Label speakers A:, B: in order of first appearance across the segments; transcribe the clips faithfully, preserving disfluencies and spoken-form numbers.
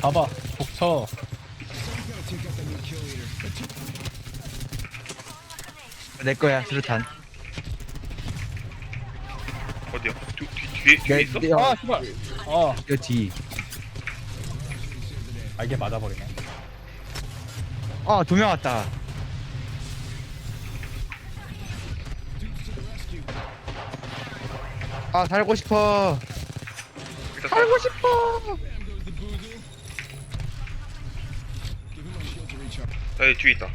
A: 가봐. 독쳐.
B: 내 거야 수류탄.
C: 어디야? 뒤, 뒤, 뒤에, 뒤에 있어?
B: 내,
A: 아, 씨발. 어,
B: 내 뒤.
A: 아, 이게 맞아버리네.
B: 아, 두 명 왔다. 아, 살고 싶어.
C: 일단
B: 살고 싶어.
C: 나 여기 뒤에 있다.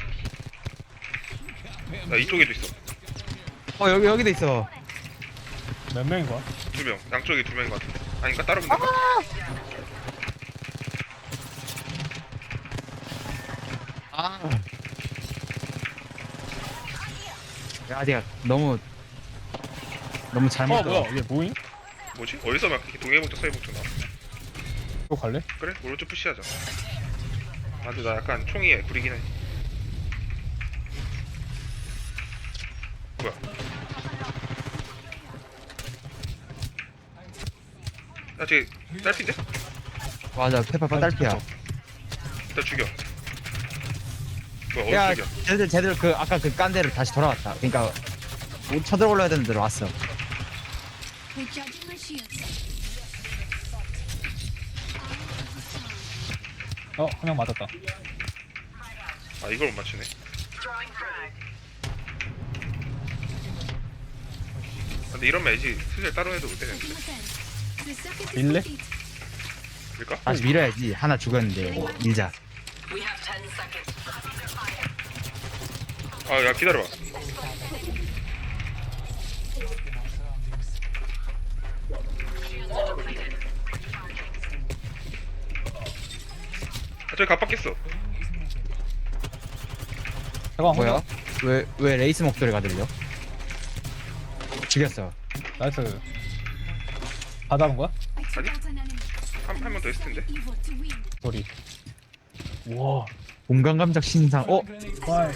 C: 나 이쪽에도 있어.
B: 어, 여기 여기도 있어.
A: 몇 명인 거야?
C: 두 명. 양쪽에 두 명인 것 같은데. 아닌가? 따로 본다.
B: 아. 야, 내가 너무 너무 잘못.
A: 어, 뭐야? 이게 뭐임?
C: 뭐지? 어디서 막 이렇게 동해북쪽 서해북쪽 나와?
A: 또 갈래?
C: 그래? 오른쪽 푸시하자. 아, 근데 나 약간 총이 구리긴 해. 뭐야? 야, 쟤 딸핀데?
B: 맞아, 페퍼파 딸피야.
C: 일단 죽여. 뭐야,
B: 야,
C: 어디 죽여?
B: 쟤들 쟤들 그 아까 그 깐 데로 다시 돌아왔다. 그러니까 뭐 쳐들어올라야 되는 데로 왔어.
D: Recharging my shields.
A: 어, 한 명 맞았다.
C: 아, 이걸 못 맞추네. 근데 이러면 애지 슬슬 따로 해도 못 되는데.
D: Taking my time. The circuit is
A: 밀래?
D: complete.
C: 그럴까?
B: 다시 밀어야지. 하나 죽었는데 밀자.
C: 아, 야, 기다려봐. 아, 저기 갑박했어.
A: 잠깐,
B: 뭐야? 왜 왜 레이스 목소리가 들려? 죽였어.
A: 나이스. 다 잡은 거야?
D: I took
C: 아니?
D: out an enemy.
C: 한, 한 명 더 있을 텐데.
D: Evil to win.
A: 소리. 우와.
B: 공간감적 신상. 어?
A: 와.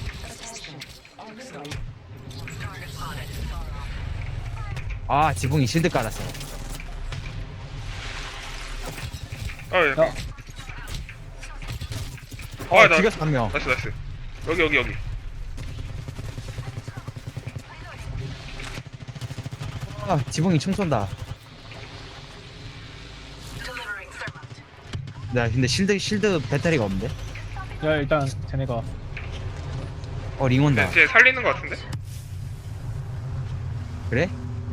B: 아, 지붕이 실드 깔았어.
C: 아, 야.
A: 야.
B: 어,
C: 아, 나-
B: 죽였어 한 명.
C: 나이스, 나이스. 여기, 여기, 여기.
B: 아, 지붕이 총 쏜다. 나 근데 실드 실드 배터리가 없는데?
A: 야, 일단 쟤네가
B: 어, 링 온다.
C: 쟤, 쟤 살리는 것 같은데?
B: 그래?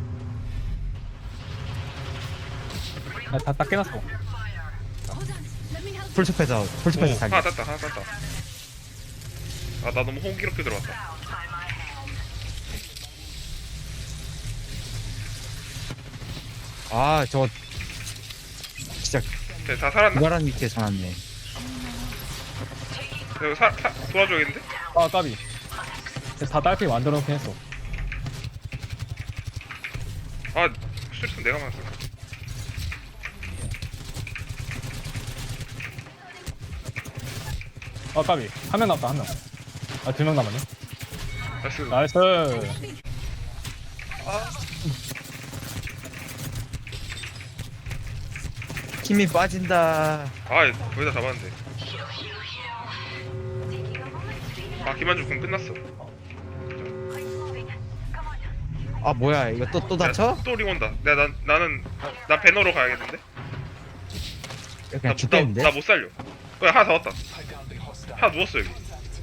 A: 야, 다, 다 깨놨어.
D: Hold on. Let me help.
B: 풀숲에서 풀숲에서
C: 오,
B: 살기.
C: 하나 땄다, 하나 땄다. 아, 나 너무 호기롭게 들어갔다.
B: 아, 저거 진짜
C: 쟤 다 살았나?
B: 부가란 위치에 전왔네.
C: 이거 사, 사, 도와줘야겠는데?
A: 아, 까비. 쟤다 딸피 만들어 놓긴 했어.
C: 아, 수류탄 내가 맞았어.
A: 아, 까비. 한 명 남았다, 한 명. 아, 두 명 남았네.
C: 나이스.
A: 나이스.
B: 힘이 빠진다.
C: 아, 거의 다 잡았는데. 아, 김한중 군 끝났어.
B: 아, 뭐야? 이거 또 또 다쳐?
C: 또링 온다. 내가 난 나는 나 배너로 가야겠는데.
B: 그냥 죽겠는데?
C: 나못 살려. 그래, 하나 더 왔다. 하나 누웠어 여기.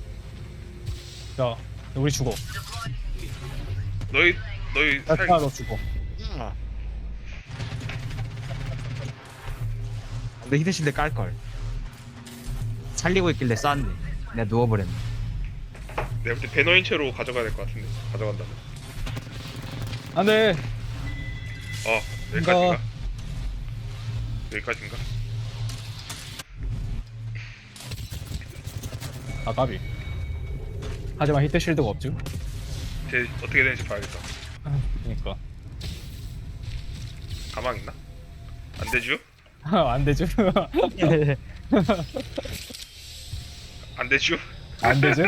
A: 야, 우리 죽어.
C: 너희 너희
A: 야,
C: 살.
A: 야, 너 죽어.
B: 내 히드실드 깔걸. 살리고 있길래 쐈네. 내가 누워버렸네.
C: 내가 볼때 배너인 채로 가져가야 될 것 같은데. 가져간다면.
A: 안 돼.
C: 어, 여기까지인가? 여기까지인가?
A: 아, 까비. 하지만 히트 실드가 없죠?
C: 쟤 어떻게 되는지 봐야겠다.
A: 그니까.
C: 가망 있나? 안 되죠?
A: 안 되죠?
C: 안 되죠?
A: 안 되죠?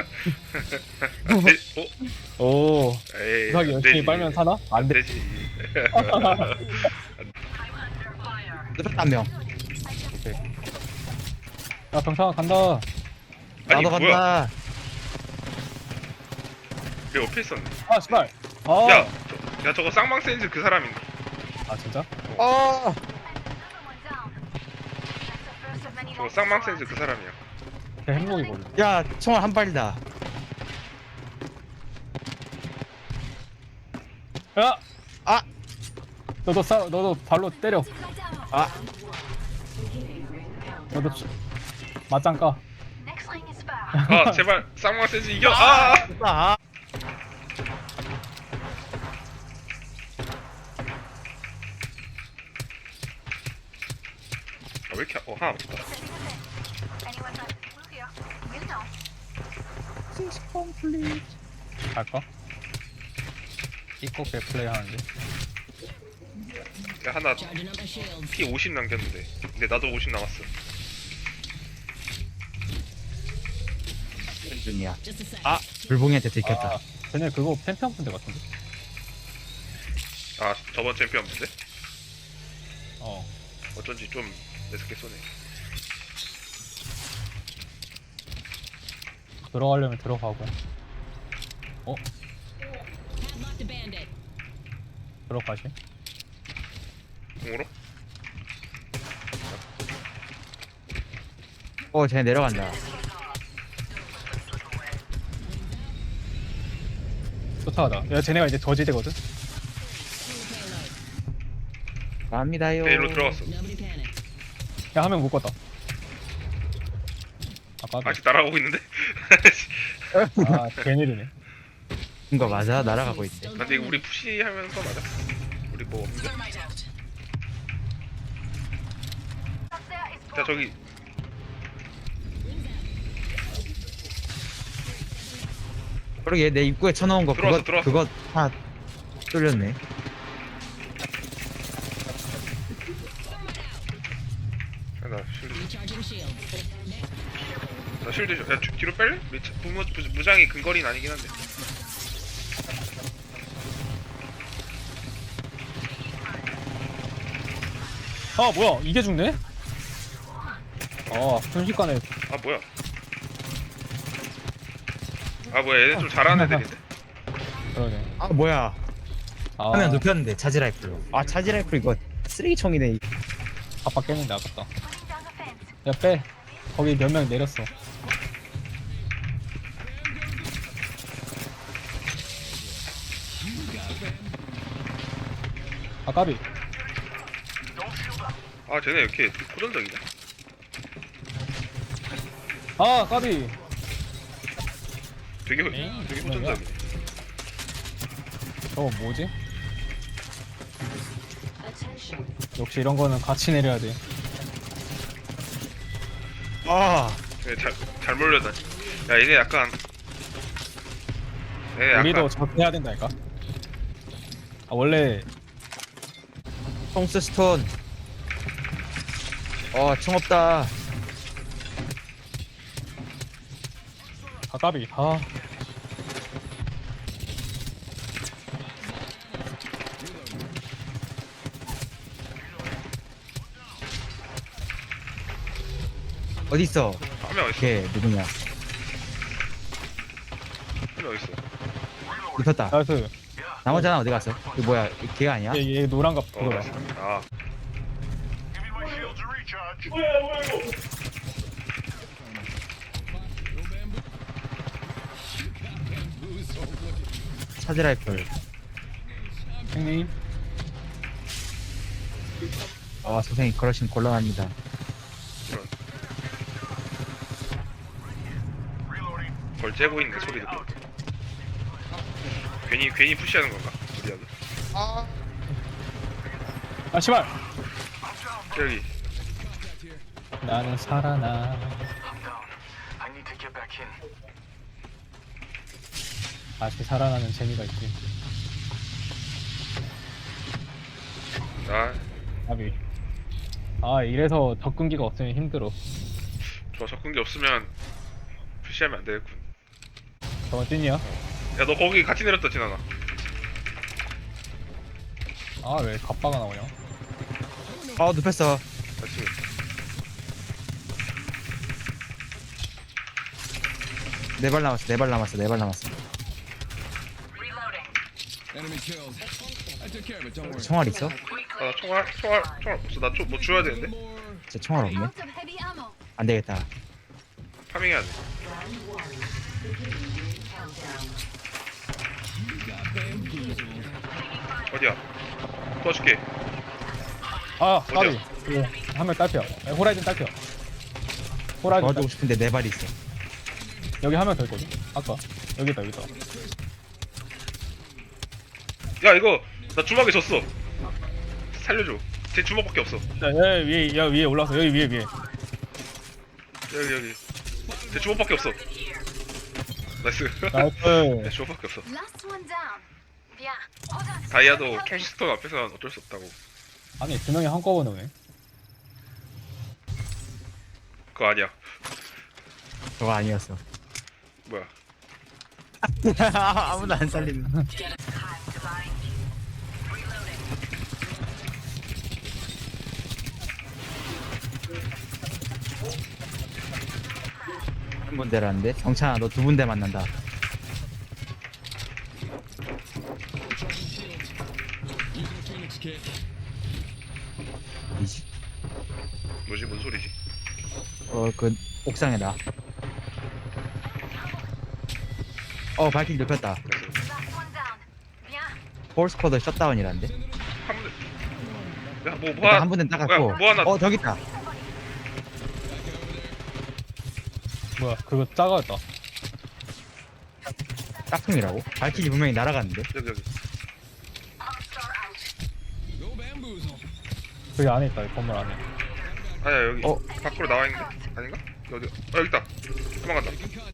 C: 안 돼? 어?
A: 오.
C: 에이,
A: 이상하게
C: 안
A: 열심히
C: 되지.
A: 빨면 사나? 안
C: 안
A: 돼.
C: 되지.
B: 한 명.
A: 오케이. 야 병창아 간다.
C: 아니
B: 나도
C: 뭐야?
B: 간다.
C: 내 옆에 있었네.
A: 아 씨발. 아.
C: 야, 저, 야 저거 쌍망 센즈 그 사람인데.
A: 아 진짜?
B: 어.
C: 저거 쌍망 센즈 그 사람이야.
A: 걔 행복이거든.
B: 야 총알 한 발이다.
A: 야.
B: 아.
A: 너도 싸 너도 발로 때려.
B: 아.
A: 너도 치- 맞짱 까.
D: Next lane is far.
C: 아 제발 쌍망 센즈 이겨. 아.
B: 아.
C: 아, 왜 이렇게 어 하나 없다.
D: Anyone like blue here? You know.
A: 갈까? 입고 개 플레이 하는데.
C: 야 하나 피 오십 남겼는데. 근데 나도 오십 남았어.
B: 중이야. 아 불봉이한테 들켰다.
A: 아, 쟤네 그거 챔피언 분들 같은데.
C: 아 저번 챔피언 문제?
A: 어.
C: 어쩐지 좀 매섭게 쏘네.
A: 들어가려면 들어가고. 어? 들어가시?
C: 공으로?
B: 어 쟤 내려간다.
A: 쫓아가자. 야 쟤네가 이제 저지대거든.
B: 갑니다요.
C: 베일로 들어갔어.
A: 야 한 명 묶었다. 아까
C: 아직 날아오고 있는데?
A: 아 괜히르네.
B: 이거 맞아? 날아가고 있대.
C: 근데 이거 우리 푸시하면서 맞아? 우리 뭐 없는데? 자 저기
B: 그러게 내 입구에 쳐놓은 거
C: 들어왔어,
B: 그거
C: 들어왔어.
B: 그거 다 뚫렸네.
C: 야, 나 실드 나 실드 줘. 야 뒤- 뒤로 뺄래? 우리 차- 부모, 부, 무장이 근거리는 아니긴 한데.
A: 아 뭐야 이게 죽네? 아 순식간에.
C: 아 뭐야? 아 뭐야 얘네 좀 잘하는 애들인데?
A: 그러네.
B: 아 뭐야?
A: 아
B: 화면 눕혔는데 차지 라이플로. 아 차지 라이플 이거 쓰레기총이네.
A: 아빠 깼는데 아깝다. 야 빼. 거기 몇 명 내렸어. 아 까비.
C: 아 쟤네 왜 이렇게 호전적이냐?
A: 아 까비.
C: 되게 호-
A: 에이,
C: 되게
A: 뭐야?
C: 호전적이네.
A: 저거 뭐지? 역시 이런 거는 같이 내려야 돼.
B: 아
C: 얘네 잘, 잘 몰려다니. 야 얘네 약간 얘네 약간
A: 우리도 저렇게 해야 된다니까. 아 원래
B: 톰스 스톤. 어총 없다.
A: 아 까비. 아
B: 어디 있어?
C: 한명 어딨어?
B: 걔 누구냐?
C: 한명 어딨어?
B: 눕혔다.
A: 나이스.
B: 나머지 하나 어디 갔어? 이거 뭐야? 이 걔가 아니야?
A: 얘, 얘 노란갑
C: 어
A: 그거다.
C: 나이스. 아
B: 차지 라이플.
A: 형님.
B: 아 선생님 그러시면 곤란합니다.
C: 이런 걸 째고 있네 소리 듣고. 괜히 괜히 푸시하는 건가? 우리하고.
A: 아 씨발.
C: 저기
A: 나는 살아나. 다시 살아나는 재미가 있지.
C: 나
A: 까비. 아 이래서 접근기가 없으면 힘들어.
C: 저 접근기 없으면 푸시하면 안 되겠군.
A: 저건 찐이야?
C: 야 너 거기 같이 내렸다 진아나.
A: 아 왜 갑바가 나오냐?
B: 아 눕혔어.
C: 같이.
B: 네 발 남았어 네 발 남았어 네 발 남았어.
E: Enemy killed. I took care of it. Don't worry.
B: 총알 있어?
C: 아, 나 총알 총알 총알 없어. 나 뭐 줘야 되는데.
E: More.
B: 진짜 총알 없네.
D: Out of heavy ammo.
B: 안 되겠다.
C: 파밍해야 돼. 어디야? 도와줄게.
A: 아 까비.
C: 어디야?
A: 한명 딸피야. 아니, 호라이즌 딸피야. 호라이즌
B: 도와주고
A: 딸피.
B: 싶은데 네 발 있어.
A: 여기 한 명 더 있거든. 아까 여기 있다 여기 있다.
C: 야 이거 나 주먹에 졌어. 살려줘. 제 주먹밖에 없어.
A: 야, 여기 위에 야 위에 올라서 여기 위에 위에.
C: 여기 여기. 제 주먹밖에 없어. 나이스.
A: 나이스.
C: 내 주먹밖에 없어.
D: Last one down. Bien. Hold on.
C: 다이아도 캐시스톤 앞에서는 어쩔 수 없다고.
A: 아니 두 명이 한꺼번에 오네.
C: 그거 아니야.
B: 저거 아니었어.
C: 뭐야?
B: 아무도 안 살리는. 한 군데라는데? 정찬아 너 두 군데 만난다.
E: Using a Phoenix kit.
B: 이지?
C: 뭐지? 뭔 소리지?
B: 어그 옥상에다. 어 발길 눕혔다.
C: 나이스.
D: Last one down. Bien.
B: 폴스쿼드 셧다운이란데?
C: 한 분. 야뭐 뭐
B: 일단
C: 하나.
B: 한 군데
C: 뭐야,
B: 따갔고.
C: 뭐 하나.
B: 어 저기 있다.
A: 뭐야 그거 작아졌다.
B: 짝퉁이라고? 발길이 분명히 날아갔는데?
C: 여기 여기.
E: Go bamboozle.
A: 저기 안에 있다 이 건물 안에.
C: 아니야 여기.
B: 어?
C: 밖으로 나와 있는데? 아닌가? 어디? 어 여기 있다. 도망간다.
E: Taking contact.